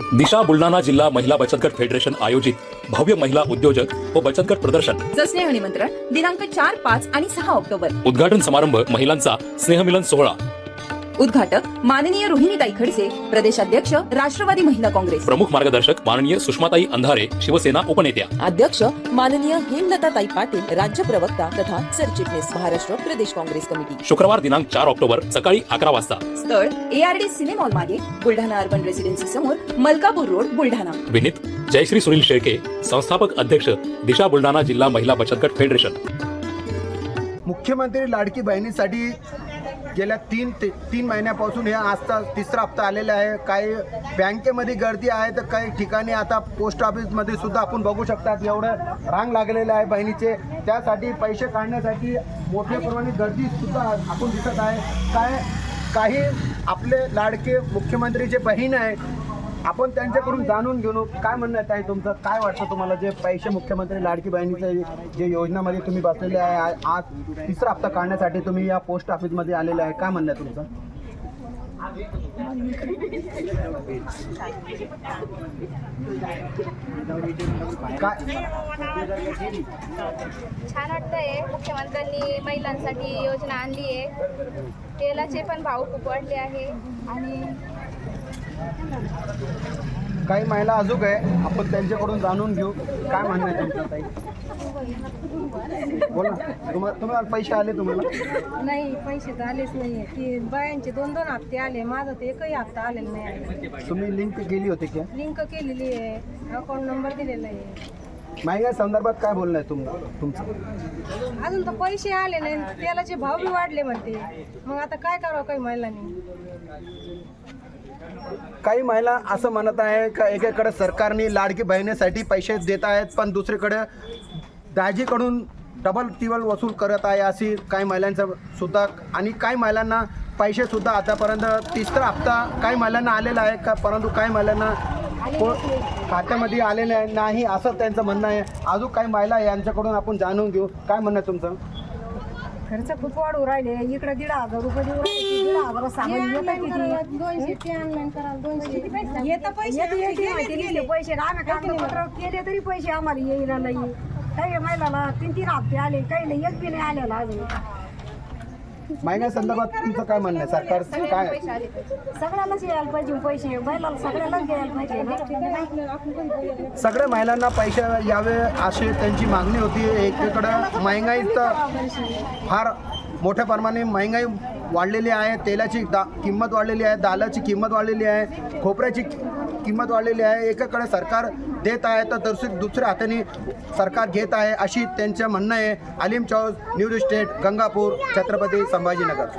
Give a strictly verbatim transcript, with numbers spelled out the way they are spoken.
दिशा बुलढाणा जिल्हा महिला बचत गट फेडरेशन आयोजित भव्य महिला उद्योजक व बचत गट प्रदर्शन स्नेह निमंत्रण दिनांक चार पाच आणि सहा ऑक्टोबर। उद्घाटन समारंभ महिलांचा स्नेहमिलन सोहळा। उद्घाटक माननीय रोहिणीताई खडसे, प्रदेशाध्यक्ष राष्ट्रवादी महिला काँग्रेस। प्रमुख मार्गदर्शक माननीय सुषमाताई अंधारे, शिवसेना उपनेत्या। अध्यक्ष माननीय हेमलताताई पाटील, राज्य प्रवक्ता तथा सरचिटणीस, महाराष्ट्र प्रदेश काँग्रेस कमिटी। शुक्रवार दिनांक चार ऑक्टोबर सकाळी अकरा वाजता। स्थळ एआरडी सिनेमॉल मागे, बुलढाणा अर्बन रेसिडेन्सी समोर, मलकापूर रोड, बुलढाणा। विनीत जयश्री सुनील शेळके, संस्थापक अध्यक्ष दिशा बुलढाणा जिल्हा महिला बचत गट फेडरेशन। मुख्यमंत्री लाडकी बहिणीसाठी गेल्या तीन ते तीन महिन्यापासून हे आजचा तिसरा हप्ता आलेला आहे। काही बँकेमध्ये गर्दी आहे तर काही ठिकाणी आता पोस्ट ऑफिसमध्ये सुद्धा आपण बघू शकतात एवढं रांग लागलेलं आहे बहिणीचे। त्यासाठी पैसे काढण्यासाठी मोठ्या प्रमाणात गर्दी सुद्धा आपण दिसत आहे। काय काही आपले लाडके मुख्यमंत्रीचे बहीण आहे, आपण त्यांच्याकडून जाणून घेऊ काय म्हणणं आहे तुमचं। काय वाटतं तुम्हाला जे पैसे मुख्यमंत्री लाडकी बहिणीचे जे योजनामध्ये तुम्ही बसलेले आहे, आज तिसरा हप्ता काढण्यासाठी तुम्ही या पोस्ट ऑफिसमध्ये आलेले आहे, काय म्हणणं आहे तुमचं? काय छान वाटतंय, मुख्यमंत्र्यांनी महिलांसाठी योजना आणली आहे। तेलाचे पण भाव खूप वाढले आहे आणि काही महिला अजून आहे, आपण त्यांच्याकडून जाणून घेऊ काय म्हणणं आहे तुमचं ताई। बोला, तुम्हाला तुम्हाला पैसे आले तुम्हाला? नाही, पैसे तर आलेच नाही। की बायांचे दोन दोन हप्ते आले, माझं तर एकही हप्ता आलेला नाही आहे। तुम्ही लिंक केली होती का? लिंक केलेली आहे, अकाउंट नंबर दिलेला आहे। महिला संदर्भात काय बोलणं आहे तुम तुमचं? अजून तर पैसे आले नाही, तेलाचे भाव बी वाढले म्हणते। मग आता काय करावं काही महिलांनी? काही महिला असं म्हणत आहे का एकीकडे सरकारने लाडकी बहिणीसाठी पैसे देत आहेत, पण दुसरीकडे दाजीकडून डबल टिबल वसूल करत आहे, अशी काही महिलांचं सुद्धा। आणि काही महिलांना पैसे सुद्धा आतापर्यंत तिसरा हप्ता काही महिलांना आलेला आहे का, परंतु काही महिलांना खात्यामध्ये आलेलं आहे नाही, असं त्यांचं म्हणणं आहे। अजून काही महिला यांच्याकडून आपण जाणून घेऊ काय म्हणणं आहे तुमचं? खर्च खूप वाढू राहिले, इकडे दीड हजार रुपये देऊ राहिले, दीड हजार सामान दोनशे ते ऑनलाईन कराल, दोनशे येतं पैसे पैसे आम्ही कागदपत्र केले तरी पैसे आम्हाला येईला नाही। काही महिलाला तीन तीन हप्ते आले, काही नाही, एक बी नाही आलेला अजून। महिला संदर्भात तुमचं काय म्हणणं आहे? सरकार काय सगळ्यालाच यायला पाहिजे पैसे, महिलाला सगळ्यालाच द्यायला पाहिजे। सगळ्या महिलांना पैसे यावे अशी त्यांची मागणी होती। एकीकडं महागाई तर फार मोठ्या प्रमाणे महागाई वाढलेली आहे, तेलाची दा किंमत वाढलेली आहे, दालाची किंमत वाढलेली आहे, खोबऱ्याची किंमत वाढलेली आहे। एकीकडे सरकार देत आहे तर दुसरी दुसऱ्या हाताने सरकार घेत आहे, अशी त्यांचं म्हणणं आहे। Alim Chaus, news state, Gangapur, Chhatrapati Sambhajinagar.